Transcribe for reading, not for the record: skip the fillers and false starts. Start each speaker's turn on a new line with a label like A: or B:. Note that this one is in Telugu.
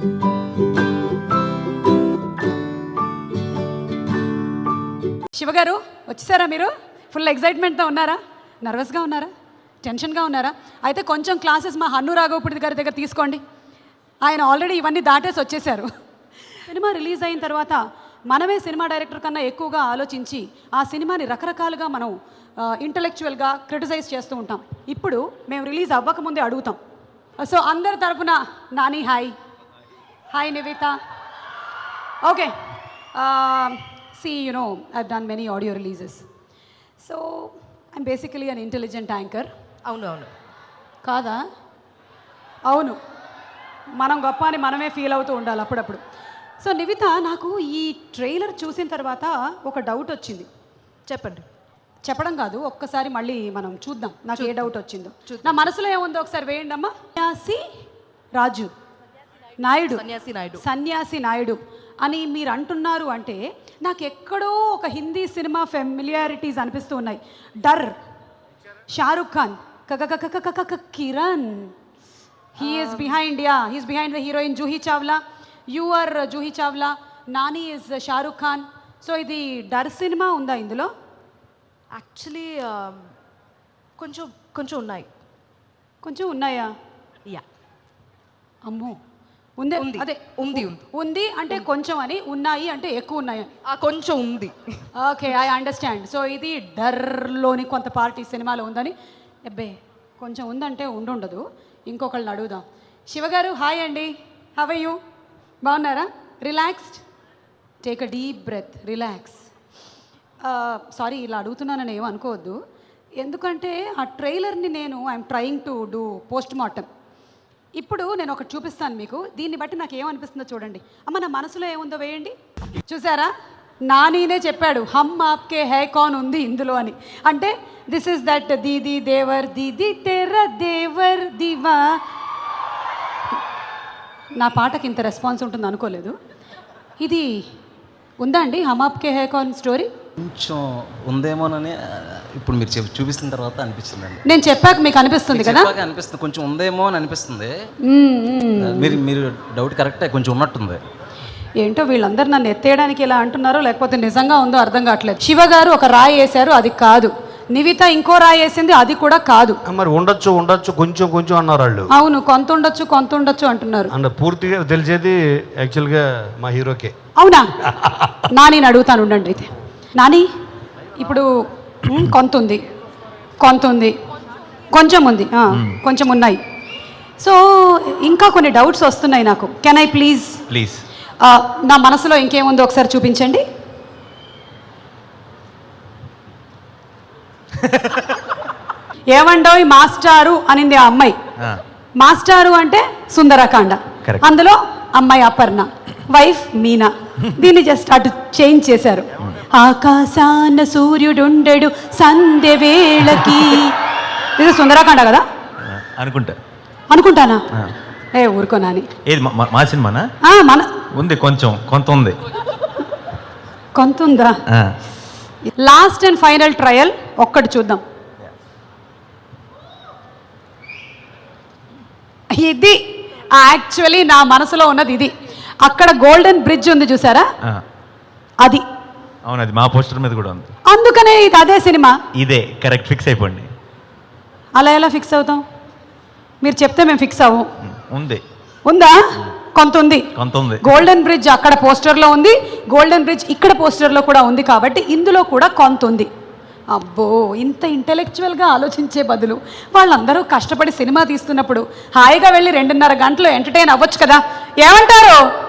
A: శివగారు వచ్చేసారా? మీరు ఫుల్ ఎగ్జైట్మెంట్తో ఉన్నారా? నర్వస్గా ఉన్నారా? టెన్షన్గా ఉన్నారా? అయితే కొంచెం క్లాసెస్ మా హన్ను రాఘవపూడి గారి దగ్గర తీసుకోండి. ఆయన ఆల్రెడీ ఇవన్నీ దాటేసి వచ్చేసారు. సినిమా రిలీజ్ అయిన తర్వాత మనమే సినిమా డైరెక్టర్ కన్నా ఎక్కువగా ఆలోచించి ఆ సినిమాని రకరకాలుగా మనం ఇంటలెక్చువల్గా క్రిటిసైజ్ చేస్తూ ఉంటాం. ఇప్పుడు మేము రిలీజ్ అవ్వకముందే అడుగుతాం. సో అందరి తరపున Nani hi, hi Nivetha. Okay, see, you know, I've done many audio releases. So, I'm basically an intelligent anchor.
B: అవును అవును
A: కాదా? అవును, మనం గొప్ప అని మనమే ఫీల్ అవుతూ ఉండాలి అప్పుడప్పుడు. సో నివిత, నాకు ఈ ట్రైలర్ చూసిన తర్వాత ఒక డౌట్ వచ్చింది.
B: చెప్పండి.
A: చెప్పడం కాదు, ఒక్కసారి మళ్ళీ మనం చూద్దాం నాకు ఏ డౌట్ వచ్చిందో. నా మనసులో ఏముందో ఒకసారి వేయండి అమ్మా. సన్యాసి నాయుడు అని మీరు అంటున్నారు అంటే నాకు ఎక్కడో ఒక హిందీ సినిమా ఫెమిలియారిటీస్ అనిపిస్తూ ఉన్నాయి. Darr, Shahrukh Khan, Kiran, he's behind the heroine Juhi Chawla. You are Juhi Chawla, Nani is Shahrukh Khan. So ఇది డర్ సినిమా ఉందా ఇందులో?
B: యాక్చువల్లీ కొంచెం కొంచెం ఉన్నాయి.
A: కొంచెం ఉన్నాయా?
B: యా,
A: అమ్మో, ఉంది. అదే ఉంది అంటే కొంచెం అని, ఉన్నాయి అంటే ఎక్కువ ఉన్నాయి.
B: కొంచెం ఉంది.
A: Okay, I understand. సో ఇది డర్లోని కొంత పార్టీ సినిమాలో ఉందని. అబ్బే, కొంచెం ఉందంటే ఉండుండదు. ఇంకొకళ్ళని అడుగుదాం. శివగారు హాయ్ అండి, హౌ ఆర్ యూ? బాగున్నారా? Relaxed? Take a deep breath, relax. Sorry ఇలా అడుగుతున్నానని ఏమో అనుకోవద్దు. ఎందుకంటే ఆ ట్రైలర్ని I'm trying to do post mortem. ఇప్పుడు నేను ఒకటి చూపిస్తాను మీకు. దీన్ని బట్టి నాకు ఏమనిపిస్తుందో చూడండి. అమ్మ, నా మనసులో ఏముందో వేయండి. చూసారా? నానీనే చెప్పాడు హమ్ ఆప్కే హై కాన్ ఉంది ఇందులో అని. అంటే దిస్ ఇస్ దట్ దీది దేవర్ దీది తెర దేవర్ దివా. నా పాటకి ఇంత రెస్పాన్స్ ఉంటుంది అనుకోలేదు. ఇది ఉందా అండి హమ్ ఆప్కే హై కాన్ స్టోరీ?
C: కొంచెం ఉందేమోనని ఇప్పుడు మీరు చూపిస్తున్న తర్వాత అనిపిస్తుంది.
A: నేను చెప్పాక మీకు అనిపిస్తుంది కదా?
C: అనిపిస్తుంది, కొంచెం ఉందేమో అని అనిపిస్తుంది. మీరు డౌట్ కరెక్టే, కొంచెం ఉన్నట్టుంది.
A: ఏంటో వీళ్ళందరూ నన్ను ఎత్తేయడానికి ఇలా అంటున్నారో లేకపోతే నిజంగా ఉందో అర్థం కావట్లేదు. శివ గారు ఒక రాయి వేశారు, అది కాదు. నివిత ఇంకో రాయి వేసింది, అది కూడా కాదు.
D: మరి ఉండొచ్చు కొంచెం కొంచెం అన్నారు వాళ్ళు.
A: అవును, కొంత ఉండొచ్చు అంటున్నారు.
D: అంటే పూర్తిగా తెలిసేది యాక్చువల్గా మా హీరోకే.
A: అవునా? నాని అడుగుతాను ఉండండి. అయితే నాని, ఇప్పుడు కొంత ఉంది, కొంచెం ఉంది, కొంచెం ఉన్నాయి. సో ఇంకా కొన్ని డౌట్స్ వస్తున్నాయి నాకు. కెన్ ఐ ప్లీజ్ నా మనసులో ఇంకేముందో ఒకసారి చూపించండి. ఏమండోయ్ మాస్టారు అనింది ఆ అమ్మాయి. మాస్టారు అంటే సుందరకాండ, అందులో అమ్మాయి అపర్ణ, వైఫ్ మీనా. దీన్ని జస్ట్ అటు చేంజ్ చేశారు. ఆకాశాన సూర్యుడుండెడు సంధ్య వేళకి. ఇది సుందరకాండ కదా అనుకుంటానా? ఏ ఊరుకోనాని.
E: ఏది మా సినిమానా?
A: మన
E: ఉంది, కొంత
A: ఉందా? లాస్ట్ అండ్ ఫైనల్ ట్రయల్ ఒక్కటి చూద్దాం. ఇది యాక్చువల్లీ నా మనసులో ఉన్నది ఇది. అక్కడ గోల్డెన్ బ్రిడ్జ్ ఉంది చూసారా? అది.
E: అవును, అది మా పోస్టర్ మీద కూడా ఉంది.
A: అందుకనే ఇది అదే సినిమా.
E: ఇదే కరెక్ట్, ఫిక్స్ అయిపోండి.
A: అలా ఎలా ఫిక్స్ అవుతాం? మీరు చెప్తే మేము ఫిక్స్ అవ్వం. ఉందా? కొంత ఉంది. గోల్డెన్ బ్రిడ్జ్ అక్కడ పోస్టర్లో ఉంది, గోల్డెన్ బ్రిడ్జ్ ఇక్కడ పోస్టర్లో కూడా ఉంది. కాబట్టి ఇందులో కూడా కొంత ఉంది. అబ్బో, ఇంత ఇంటెలెక్చువల్గా ఆలోచించే బదులు వాళ్ళందరూ కష్టపడి సినిమా తీస్తున్నప్పుడు హాయిగా వెళ్ళి 2.5 గంటలు ఎంటర్టైన్ అవ్వచ్చు కదా. ఏమంటారు?